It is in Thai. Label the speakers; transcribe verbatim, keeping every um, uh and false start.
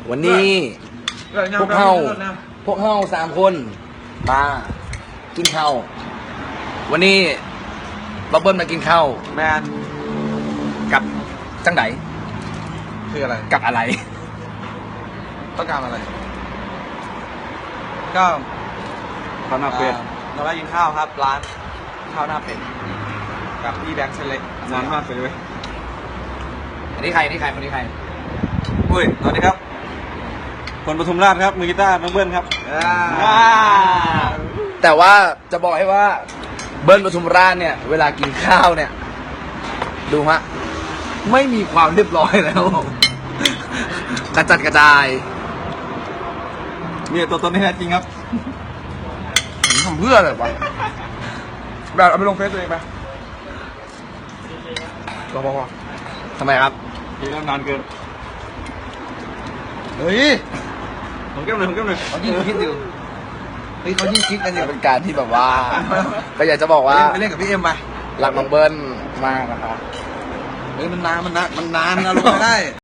Speaker 1: วันนี้พวกเฮาพวกเฮาสามคนมากินข้าววันนี้บับเบิ้ลมากินข้าว
Speaker 2: แมน
Speaker 1: กับจังไหน
Speaker 2: คืออะไร
Speaker 1: กับอะไร
Speaker 2: ต้องการอะไร ก็
Speaker 1: ข้าวหน้าเป็ด
Speaker 2: เราได้กินข้าวครับ ร้านข้าวหน้าเป็ดกับพี่แบงค์เซเล็กร้านมากเลยเว้ย
Speaker 1: อันนี้ใครอันนี้ใครคนนี้ใคร
Speaker 2: อุ้ยสวัสดีครับคนปทุมราชครับมือกีตาร์น้องเบิ้ลครับ
Speaker 1: แต่ว่าจะบอกให้ว่าเบิ้ลปทุมราชเนี่ยเวลากินข้าวเนี่ย ดูฮะไม่มีความเรียบร้อยแล้วกระจัดกระจาย
Speaker 2: นี่ตัวตนที่แท้จริงครับ
Speaker 1: ทำเพื่ออะไรวะแบบเอาไปลงเฟซตัวเองไปพอพอพอทำไมครับ
Speaker 2: นี่เริ่มนานเกิน
Speaker 1: เฮ้ย
Speaker 2: ผมแก้มหน่อยผมแก้มหน่อย
Speaker 1: เขายิ่งคิดอยู่เฮ้ยเขายิ่งคิดกันอยู่เป็นการที่แบบว่าก็อยากจะบอกว่า
Speaker 2: ไปเล่นกับพี่เอ็มไป
Speaker 1: รักน้องเบิ้ลมากนะครับ
Speaker 2: เฮ้ยมันนานมันนานมันนานนะลงไม่ได้